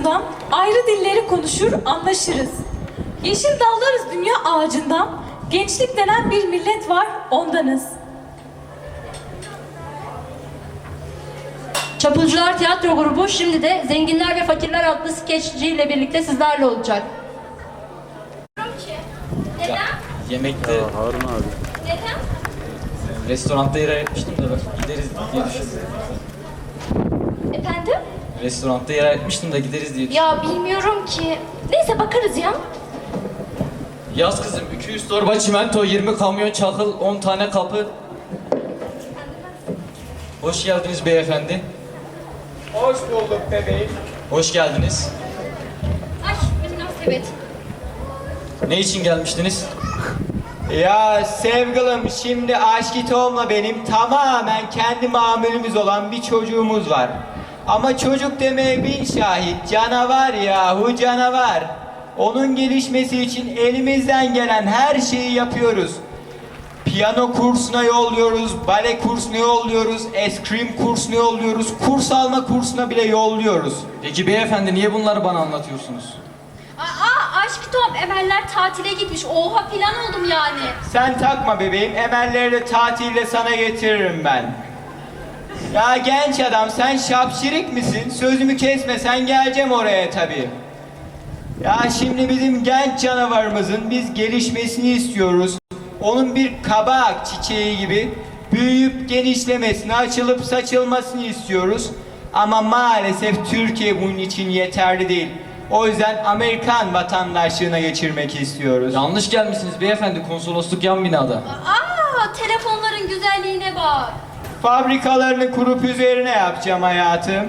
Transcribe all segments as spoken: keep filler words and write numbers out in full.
ucundan ayrı dilleri konuşur, anlaşırız. Yeşil dallarız dünya ağacından, gençlik denen bir millet var, ondanız. Çapulcular Tiyatro Grubu şimdi de Zenginler ve Fakirler adlı skeçciyle birlikte sizlerle olacak. Neden? Yemekte Harun abi. Neden? restoranda yer ayırtmıştım da gideriz diye düşündüm. Efendim? Restoranda yer ayırtmıştım da gideriz diye düşündüm. Ya bilmiyorum ki. Neyse bakarız ya. Yaz kızım, iki yüz torba çimento, yirmi kamyon çakıl, on tane kapı. Hoş geldiniz beyefendi. Hoş bulduk bebeğim. Hoş geldiniz. Ay münasebet. Ne için gelmiştiniz? Ya sevgilim, şimdi Aşkı Tom'la benim tamamen kendi mamülümüz olan bir çocuğumuz var. Ama çocuk demeye bin şahit, canavar yahu canavar. Onun gelişmesi için elimizden gelen her şeyi yapıyoruz. Piyano kursuna yolluyoruz, bale kursuna yolluyoruz, eskrim kursuna yolluyoruz, kurs alma kursuna bile yolluyoruz. Peki beyefendi niye bunları bana anlatıyorsunuz? Aa aşk Tom Emeller tatile gitmiş. Oha filan oldum yani. Sen takma bebeğim, emelleri de tatilde sana getiririm ben. Ya genç adam, sen şapşirik misin? Sözümü kesme, sen geleceğim oraya tabii. Ya şimdi bizim genç canavarımızın biz gelişmesini istiyoruz. Onun bir kabak çiçeği gibi büyüyüp genişlemesini, açılıp saçılmasını istiyoruz. Ama maalesef Türkiye bunun için yeterli değil. O yüzden Amerikan vatandaşlığına geçirmek istiyoruz. Yanlış gelmişsiniz beyefendi, konsolosluk yan binada. Aa telefonların güzelliğine bak. Fabrikalarını kurup üzerine yapacağım hayatım.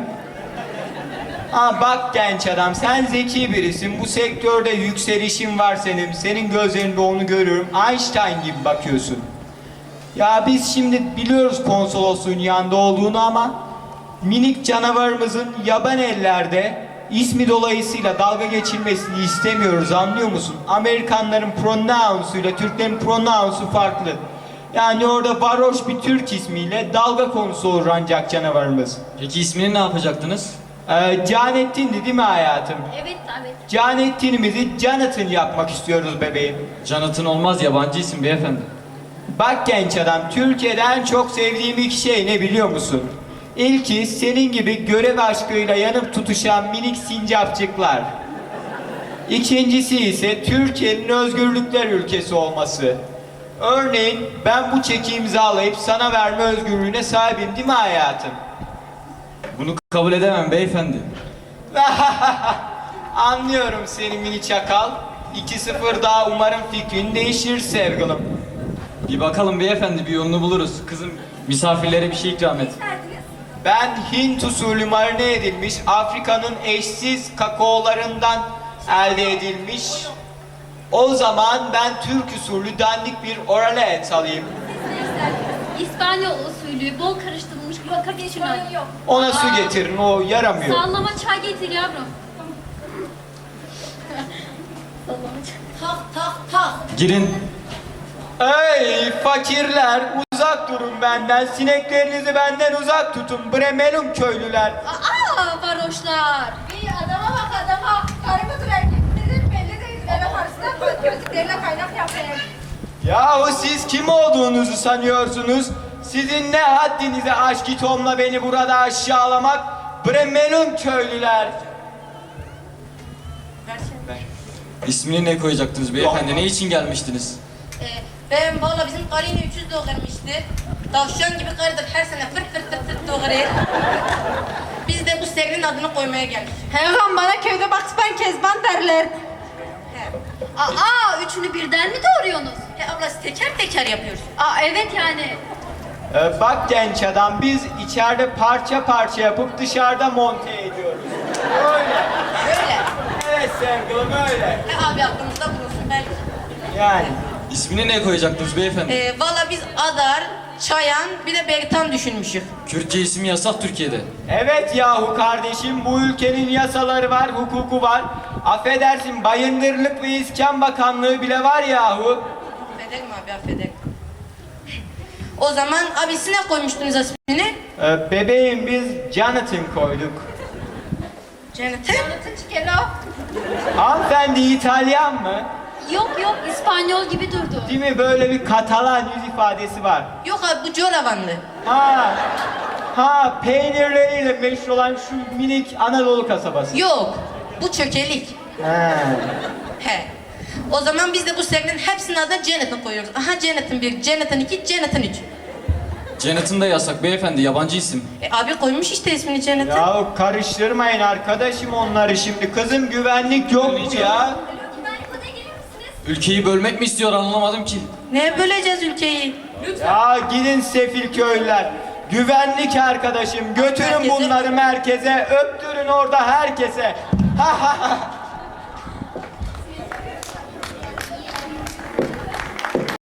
Ha bak genç adam, sen zeki birisin. Bu sektörde yükselişin var senin. Senin gözlerinde onu görüyorum. Einstein gibi bakıyorsun. Ya biz şimdi biliyoruz konsolosluğun yanında olduğunu ama minik canavarımızın yaban ellerde ismi dolayısıyla dalga geçilmesini istemiyoruz, anlıyor musun? Amerikanların pronounsuyla Türklerin pronounsu farklı. Yani orada varoş bir Türk ismiyle dalga konusu olur ancak canavarımız. Peki ismini ne yapacaktınız? Ee, Canettin'di değil mi hayatım? Evet evet. Canettin'imizi Jonathan yapmak istiyoruz bebeğim. Jonathan olmaz, yabancı isim beyefendi. Bak genç adam, Türkiye'de en çok sevdiğim iki şey ne biliyor musun? İlki senin gibi görev aşkıyla yanıp tutuşan minik sincapçıklar. İkincisi ise Türkiye'nin özgürlükler ülkesi olması. Örneğin ben bu çeki imzalayıp sana verme özgürlüğüne sahibim değil mi hayatım? Bunu kabul edemem beyefendi. Anlıyorum seni mini çakal. iki sıfır daha umarım fikrin değişir sevgilim. Bir bakalım beyefendi, bir yolunu buluruz. Kızım, misafirlere bir şey ikram et. Ben Hint usulü marine edilmiş Afrika'nın eşsiz kakaolarından elde edilmiş. O zaman ben Türk usulü dandik bir oralet alayım. İspanyol usulü bol karıştırılmış kakao yok. Ona su getirin, o yaramıyor. Sallama çay getir yavrum. Sallama çay. Tak tak tak. Girin. Ey fakirler, uzak durun benden, sineklerinizi benden uzak tutun Bremelum köylüler. Aa varoşlar. Bir adama bak adama. Karı mıdır erkek midir belli değil. Eve karşısına gözlüklerine kaynak yapayım. Yahu siz kim olduğunuzu sanıyorsunuz? Sizin ne haddinize Aşkı Tom'la beni burada aşağılamak? Bremelum köylüler. İsmini ne koyacaktınız beyefendi? Ne için gelmiştiniz? Ee, ben valla bizim karı yine üç yüz doğurmuştu. Tavşan gibi karıdır, her sene fırt fırt fırt fırt doğurur. Biz de bu serinin adını koymaya geldik. Hemen bana köyde Bakspan Kezban derler. He. Aa üçünü birden mi doğuruyorsunuz? He abla siz teker teker yapıyoruz. Aa evet yani. Ee, bak genç adam, biz içeride parça parça yapıp dışarıda monte ediyoruz. Öyle. Böyle. Evet sevgilim öyle. He abi aklımızda bulunsun belki. Yani. İsmini ne koyacaktınız beyefendi? Ee, valla biz Adar, Çayan bir de Bertan düşünmüşük. Kürtçe isim yasak Türkiye'de. Evet yahu kardeşim, bu ülkenin yasaları var, hukuku var. Affedersin, Bayındırlık ve İskan Bakanlığı bile var yahu. Affederim abi affederim. O zaman abi siz ne koymuştunuz ismini? Ee, bebeğim biz Jonathan koyduk. Cennete? Jonathan Chiquelo. Hanımefendi İtalyan mı? Yok yok İspanyol gibi durdu. Değil mi? Böyle bir Katalan yüz ifadesi var. Yok abi bu Coravanlı. Ha, ha peynirleriyle meşhur olan şu minik Anadolu kasabası. Yok. Bu çökelik. Ha. He. O zaman biz de bu serinin hepsinin adına Jonathan koyuyoruz. Aha Jonathan bir, Jonathan iki, Jonathan üç. Janet'ın da yasak beyefendi, yabancı isim. E, abi koymuş işte ismini Jonathan. Ya karıştırmayın arkadaşım onları şimdi. Kızım güvenlik yok mu ya? Ülkeyi bölmek mi istiyor, anlamadım ki. Neye böleceğiz ülkeyi? Ya gidin sefil köylüler. Güvenlik arkadaşım götürün Merkeze. bunları merkeze, öptürün orada herkese. Ha ha ha.